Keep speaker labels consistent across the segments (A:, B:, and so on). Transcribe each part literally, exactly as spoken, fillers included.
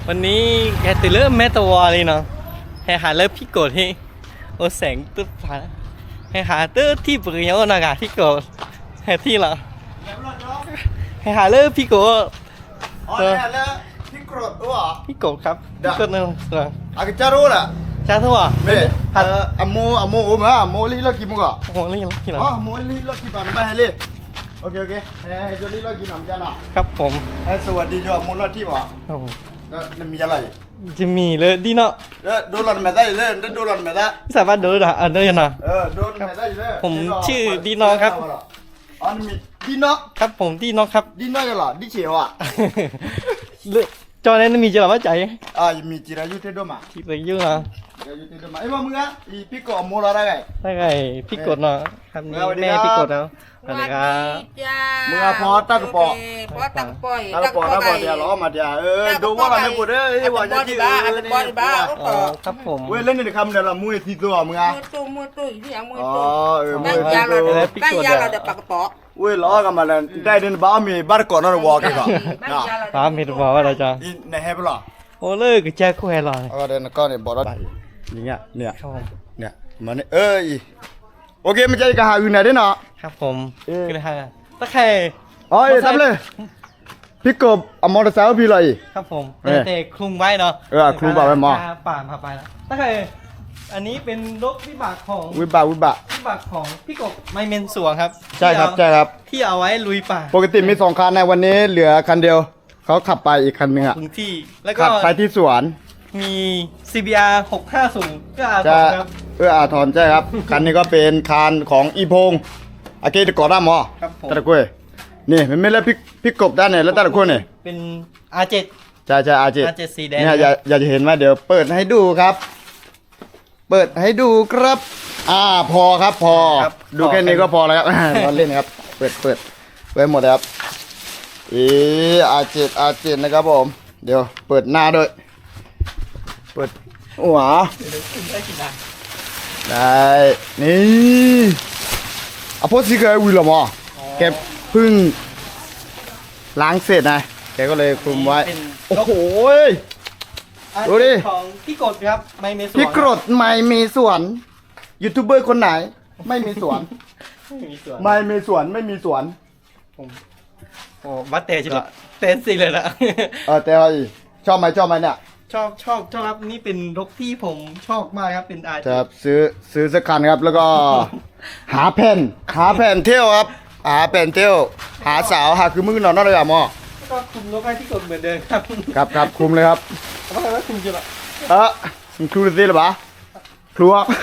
A: วันนี้แกตื่นเริ่มแม่ตัวเลยเนาะให้หาเริ่มพี่กดให้โอแสงตึ๊บผ่านให้หาตื้อที่ปืนยังนากาพี่กดให้ที่ละให้หาเริ่มพี่กด
B: อ๋อเนี่ยแล้วพี่กรดด้วยเหรอ
A: พี่กดครับพี่กดนึงสิ
B: อากิจารู้แหละ
A: จ้าทั่ว
B: ไม่ฮัลอโมอโมโอ้มาโมลีล็อกกี่โมงอ่ะ
A: โอ้ลีล็อกกี่หรอ
B: อ๋อโมลีล็อกกี่ปันไปให้เลยโอเคโอเคให้ให้จลีล็อกกี่หนำจ้าหน่ะ
A: ครับผม
B: ให้สวัสดีจ้าโมล็อกที่วะแล้วมีอะไร
A: จะมีเลยดีเนาะ
B: เออโดนหลอนไม่ได้เลยโดนหลอนไม่ได้
A: สามารถโดนอ่ะอันนี้นะ
B: เออโดนไม่ได้เลย
A: ผมชื่อดีเนาะครับ
B: อ๋อมีดีเนาะ
A: ครับผมดีเนาะครับ
B: ดีเนาะกันเหรอดีเฉียวอ่ะ
A: จอนั้นมีจะหรือว่าใจ
B: อ่ามีจิรายุเทดมา
A: ที่ไปยุ่งนะ
B: จิรายุเทดมาไอ้บ้ามึงอ่ะอีพี่กดโมละได้ไง
A: ได้ไงพี่กดเนาะครับนี่แม่พี่กดแล้วสวัสดีครับ
B: มึงอ่ะพอตักปอ
C: พอตักปอย
B: ตักปอตักปอเดียวล้อมาเดียวเออดูว่าเราไม่ปวดเอ้ยว่าจะที่เออ
C: นี่บอลบ้า
A: ครับผม
B: เว้ยเล่นในคำเดียวละมือที่ตัวมึงอ่ะ
C: มือตู้มือตู้ที่ยังมือ
B: ตู้อ๋อเออ
C: มือตู้ได้ยาเราได้ปากปอ
B: เว้ยล้อกันมาแล้วได้เดินบ้ามีบ้านก่อนนั่นวอล์กก่อน
A: บ้ามีตัวว่าอะไรจ้า
B: ในเฮปล่ะ
A: โอ้เลิกแจ็คคู่แฮร์ลอย
B: ก็เดินก็เนี่ยบอกว่าอย่างเงี้ยเนี่ยเนี่ยมันเอ้ยโอเคไม่ใช่กะหาอื่นไหนได้เนาะ
A: ครับผมก็ได้ฮะตะไคร่
B: อ๋อทำเลยพี่กบเอามอเตอร์ไซค์พี่เลย
A: ครับผมแต่คลุมไว้เนาะ
B: เออคลุมบ่าไว้หมอ
A: ป่าพาไปแล้วตะไคร่อันนี้เป็นรถวิบากของ
B: วิบากวิบาก
A: วิบากของพี่กบไม่เมนสวงครับ
B: ใช่ครับใช่ครับ
A: ที่เอาไว้ลุยป่า
B: ปกติมีสองคันในวันนี้เหลือคันเดียวเขาขับไปอีกคันหนึ่งอ่ะ
A: ถึงที่แล้วก็
B: ขับไปที่สวน
A: มี ซี บี อาร์ หกห้าศูนย์ก็อาทรครับ
B: เอออาทรใช่ครับคันนี้ก็เป็นคันของอีพงอาเกตก่อด้ามอ
A: ครับผม
B: ตะกุยนี่มันไม่แล้วพี่พี่กบด้านไหนแล้วตะกุยเนี่ย
A: เป็น อาร์ เจ็ด
B: ใช่ใช่ อาร์ เจ็ด
A: อาร์ เจ็ด สีแดง
B: เนี่ยอยากอยากจะเห็นไหมเดี๋ยวเปิดให้ดูครับเปิดให้ดูครับอ่าพอครับพอดูแค่นี้ก็พอแล้วครับเราเล่นครับเปิดเปิดไว้หมดแล้วครับอีอาร์เจ็ดอาร์เจ็ดนะครับผมเดี๋ยวเปิดหน้าด้วยเปิดหัวได้นี่อ่ะพอสิเกยวิลล์มอแกเพิ่งล้างเสร็จนะแกก็เลยคลุมไว้โอ้โหดูดิ
A: ของพี่กดครับไม่มีสวน
B: พี่กดไม่มีสวนยูทูบเบอร์คนไหนไม่มีสวน
A: ไม่มีสวน
B: ไม่มีสวนไม่มีสวน
A: ผมโอ้วัดเตะจิละเตะสิเลยนะ
B: เออแต่ชอบไหมชอบไหมเนี่ย
A: ชอบชอบชอบครับนี่เป็นรถที่ผมชอบมากครับเป็นอาร์
B: จะซื้อซื้อสักคันครับแล้วก็หาแผ่นหาแผ่นเที่ยวครับหาแผ่นเที่ยวหาสาวหาคือมือนอนนั่นเลยอ่ะมอ
A: ก็คุมรถให้ที่กดเหมือนเดิมครับ
B: ครับครับคุมเลยครับ
A: ว่าว่าคุมจิละ
B: เออครูดีหรือเปล่าครู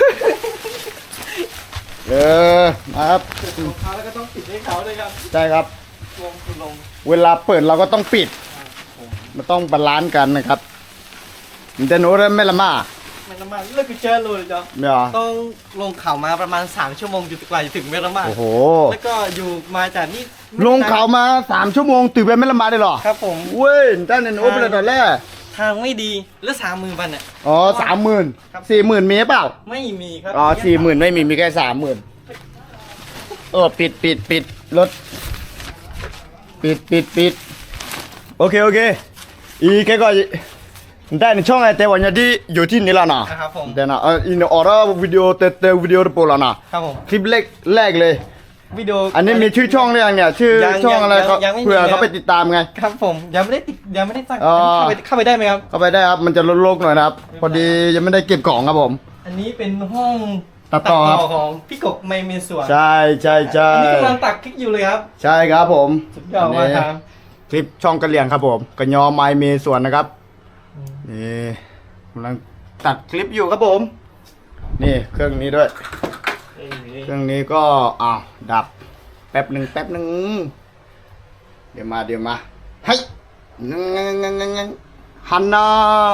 B: เออนะครับ
A: รองเท้าแล้วก็ต้องปิดให้เขาเลยครับ
B: ใช่ครับ
A: ลงคือลง
B: เวลาเปิดเราก็ต้องปิดมันต้องบาลานซ์กันนะครับมันจะโน้ตไม่ละมา
A: ไม่ละมาเลิกเจอเลยจ้ะต้องลงเขามาประมาณสามชั่วโมงจุดกว่าจะถึงเมละมา
B: โอ้โห
A: แล้วก็อยู่มาจากนี่
B: ลงเขามาสามชั่วโมงตื่นไปไม่ละมาได้หรอ
A: ครับผม
B: เว้ยด้านนั้นโอ้เป็นตอนแรก
A: ทางไม่ดีแล้วสามหมื่นพันเนี่ย
B: อ๋อสามหมื่นสี่หมื่นมีเปล่า
A: ไม่มีครับ
B: อ๋อสี่หมื่นไม่มีมีแค่สามหมื่นเออปิดปิดปิดรถปิดปิดปิดโอเคโอเคอีแค่ก็ได้ในช่องไอเตวันยาดีอยู่ที่นี่แล้วนะครับ
A: ผม
B: แต่นะอินออร์วิดีโอเตเตวิดีโอโปรแล้วนะครับ
A: ผม
B: คลิปแรกแรกเลย
A: วิดีโอ
B: อันนี้มีชื่อช่องหรือยังเนี่ยชื่อช่องอะไรเขาเพื่อเขาไปติดตามไง
A: ครับผมยังไม่ได้ติดยังไม่ได้ตั้งเข้าไปเข้าไปได้ไหมครับ
B: เข้าไปได้ครับมันจะโล่งๆหน่อยนะครับพอดียังไม่ได้เก็บของครับผม
A: อันนี้เป็นห้อง
B: ตัดต่อ
A: ของพี่กบไม่มีส่วน
B: ใช่ใช่ใช่
A: อันนี้กำลังตัดคลิปอยู่เลยครับ
B: ใช่ครับผม
A: สุดยอดมากครับ
B: คลิปช่องกระเหลี่ยงครับผมกระยอไมมีส่วนนะครับนี่กำลังตัดคลิปอยู่ครับผมนี่เครื่องนี้ด้วยเครื่องนี้ก็อ้าวดับแป๊บหนึ่งแป๊บหนึ่งเดี๋ยวมาเดี๋ยวมาเฮ้ยงังงังงังงังฮันนา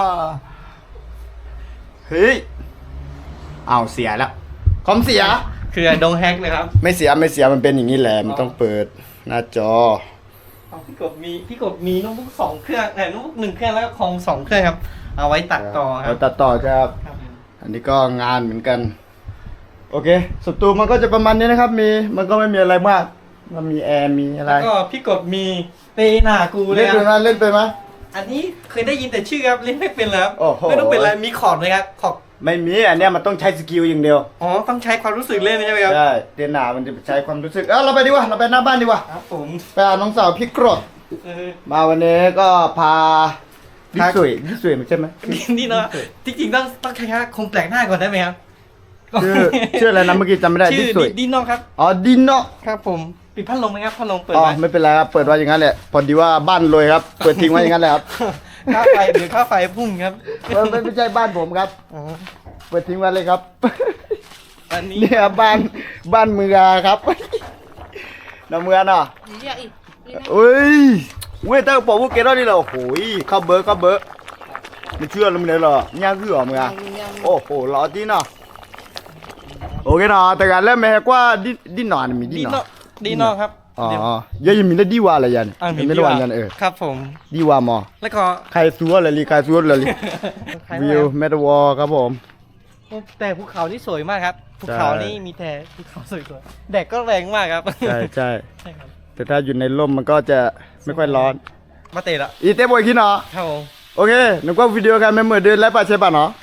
B: เฮ้ยอ้าวเสียแล้วคอมเสีย
A: คือโดนแฮกเลยครับ
B: ไม่เสียไม่เสียมันเป็นอย่างนี้แหละมันต้องเปิดหน้าจอ
A: พี่กบมีพี่กบมีโน้ตบุ๊กสองเครื่องแต่โน้ตบุ๊กหนึ่งเครื่องแล้วก็คอมสองเครื่องครับเอาไว้ตัดต่อครับ
B: ตัดต่อครับอันนี้ก็งานเหมือนกันโอเคสตูมันก็จะประมาณนี้นะครับมีมันก็ไม่มีอะไรมากมันมีแอร์มีอะไร
A: แล้วก็พี่กบมีเตหนากูเลย
B: เล่นไปไหมเล่นไปไหม
A: อันนี้เคยได้ยินแต่ชื่อครับเล่นไม่เป็นแล้ว
B: โอ้โห
A: ไม่ต้องเป็นอะไรมีขอบเลยครับขอบ
B: ไม่มีอันเนี้ยมันต้องใช้สกิลอย่างเดียว
A: อ๋อต้องใช้ความรู้สึกเล่นใช่ไหมครับ
B: ใช่เตียนหนามันจะใช้ความรู้สึกเออเราไปดีกว่าเราไปหน้าบ้านดีกว่า
A: ครับผม
B: ไปหาน้องสาวพี่กรด
A: เออ
B: มาวันนี้ก็พาดิสวยดิสวยใช่ไหม
A: นี่เนาะจริงๆต้องต้องใช้คงแปลกหน้าก่อนได้ไหมครับ
B: ชื่อชื่ออะไรนะเมื่อกี้จำไม่ได้ดิ
A: ชื่อ
B: สวย
A: ดินเนอครับ
B: อ๋อดินเนาะ
A: ครับผมปิดพัดลมไหมครับพัดลมเปิด
B: อ๋อ
A: ไว้
B: ไม่เป็นไรครับเปิดไว้อย่างนั้นแหละพอดีว่าบ้านรวยครับเปิดทิ้งไว้อย่างนั้นแหละครับ
A: ค่าไฟเดี๋ยวค่าไฟพุ่งครับ
B: เออไม่ไม่ใช่บ้านผมครับ
A: อ๋อ
B: เปิดทิ้งไว้เลยครับ
A: อันนี้
B: เนี่ยบ้านบ้านเมืองครับ น้ำเมืองเนาะ
C: นี่อย่าอีกนี่นะ
B: เอ้ยเว้ยตั้งบอกว่าเกล้านี่เหรอโอ้โหเข้าเบอร์เข้าเบอร์ไม่เชื่อเลยมึงเลยเหรอย่างคือเหรอมึง
C: ยั
B: อ่ะ
C: งยัง
B: โอ้โหรอจีเนาะโอเคเนาะแต่การเล่นแม่กว่าดิดินอนมีดิ
A: ดิน
B: น
A: เน
B: อ
A: อดินเนอครับ
B: อ๋อ
A: เดี๋ยว
B: เยอะยังมีได้ดีว่าอะไรยัน
A: อ่ามี
B: ไม่
A: ดี
B: ได้
A: ว่า
B: ว่ายันเออ
A: ครับผม
B: ดีว่ามอ
A: แล้วก็
B: ใครซัวเลยลีใครซัวเลยลี
A: ใคร
B: วิ
A: ว่าว
B: เมตาวอครับผม
A: แต่ภูเขานี่สวยมากครับภู
B: ใช่
A: เขานี่มีแต่ภูเขาสวยๆแดดก็แรงมากครับ
B: ใช่ใช่
A: ใช่ครับ
B: แต่ถ้าอยู่ในร่มมันก็จะไม่ค่อยร้อน
A: มาเตะละ
B: อีเต้บอยคิดเนาะ
A: ครับผม
B: โอเคนึกว่าวิดีโอกันไม่เหมือนเดินแล้วป่ะใช่ป่ะเนาะ